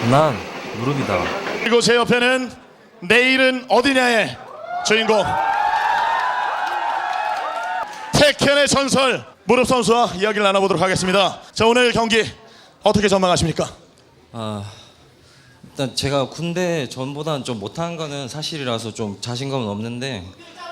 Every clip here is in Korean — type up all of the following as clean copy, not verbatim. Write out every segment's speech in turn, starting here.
난 무릎이다. 그리고 제 옆에는 내일은 어디냐의 주인공 태켄의 전설 무릎 선수와 이야기를 나눠보도록 하겠습니다. 자, 오늘 경기 어떻게 전망하십니까? 일단 제가 군대 전보다는 좀 못한 거는 사실이라서 좀 자신감은 없는데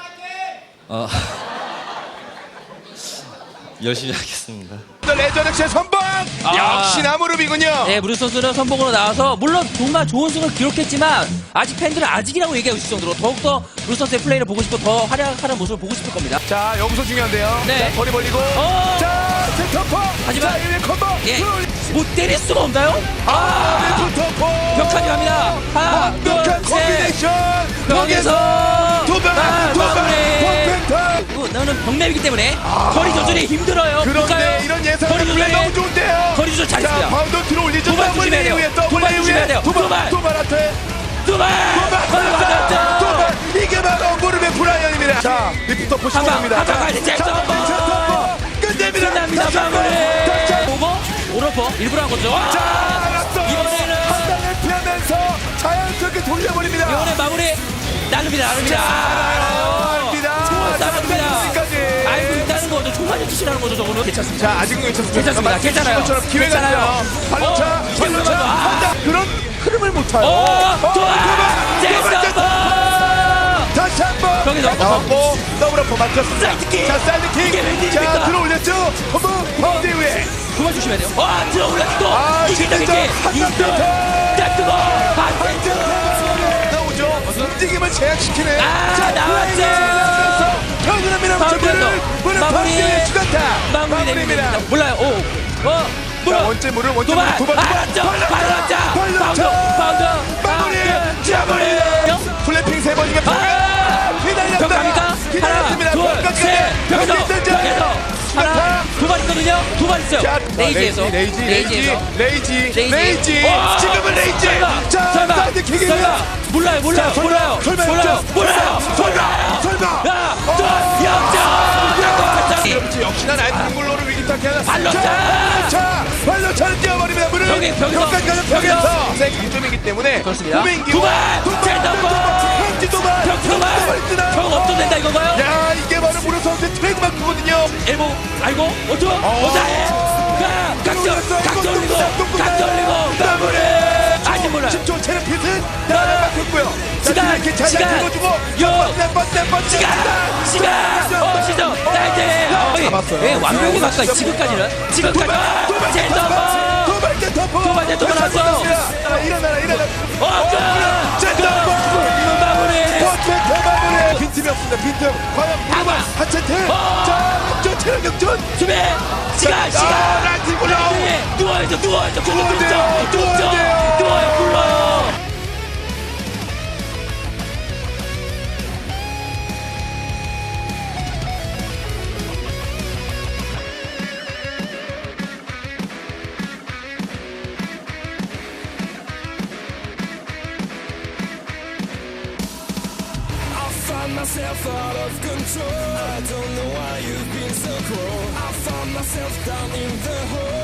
열심히 하겠습니다. 레저렉스의 선봉 역시나 무릎이군요. 네, 무릎 선수는 선봉으로 나와서 물론 정말 좋은 승을 기록했지만 아직 팬들은 아직이라고 얘기하고 있을 정도로 더욱더 무릎 선수의 플레이를 보고 싶고 더 활약하는 모습을 보고 싶을 겁니다. 자, 여기서 중요한데요. 네. 자, 거리 벌리고 자, 센터포. 하지만 자, 1위 콤보. 예, 못 때릴 수가 없나요? 센터포. 벽까지 갑니다. 하나, 완벽한 둘, 셋. 콤비네이션. 여기서 두방 퍼펙트. 나는 벽맵이기 때문에 거리 조절이 힘들어요. 그런데 볼까요? 이런 예상 거리 플레이 조절이 너무 좋은데요. 거리 조절 자, 잘했습니다. 바운드 들어올리죠. 도발 조심해야 돼요. 도발 조심해야 돼요. 도발 앞에. 두발 도발. 이게 바로 무릎의 브라이언입니다. 자, 리프터 포시입니다. 한방 가야 돼. 잭슨 끝냅니다. 끝납니다. 마무리. 오버 오러퍼 일부러 한 거죠. 자, 알았어. 이번에는 한 방을 피하면서 자연스럽게 돌려버립니다. 이번에 마무리 나눕니다. 총알 쏴줍니다. 알고 있다는 거죠. 총알이 투시라는 거죠. 저거는 괜찮습니다. 자, 아직은 괜찮습니다. 괜찮아요. 지금처럼 기회가 있어요. 발로차. 그런 흐름을 못 타요. 다시 한번 거기서 나왔고 더블어퍼 맞췄습니다. 사이드킥. 자, 사이드킥. 이게 웬일입니까? 자, 들어올렸죠. 허브 파운드 이후에 그만 조심해야 돼요. 들어올랐어 또. 진짜 딱 뜨거. 나오죠. 움직임을 제약시키는 나왔죠. 편안합니다. 무릎 파운드의 주간타 마무리 내립니다. 몰라요. 자, 원째 무릎 도발. 알았죠. 발랐죠. 마무리. 플래핑 세 번이면 벽 갑니까? 하나, 둘, 셋. 벽에서 하나, 두 발 있거든요. 두 발 있어요. 레이지에서. 레이지. 와! 지금은 레이지. 자, 설마. 사이드킥입니다. 몰라요. 설마. 야, 또 역전. 역시나 나이트 골로를 위기타게 하나. 발로차를 뛰어버립니다. 무릎. 벽에서. 벽까지 가서 벽에서. 세 기점이기 때문에. 그렇습니다. 도맨기. 두 발. 도발. 벽 없도 된다 이건가요? 야, 이게 바로 무릎 선수의 트레이드마크거든요. 엘보 알고 어쩌해 각 돌리고 마무리 아직 몰라 10초 체력 핏은 나를 맡겼고요. 시간 시간 시점 나이트 예 완벽히 가까이 지금까지는 도발 나왔어 일어나라 마무리 빈틈이 없습니다. 빈틈 과연 무릎은 한 채트 자 역전 체력 역전 수비 시간 라이트 골로 누워야죠 누워야 불러요 Myself out of control. I don't know why you've been so cruel. I found myself down in the hole.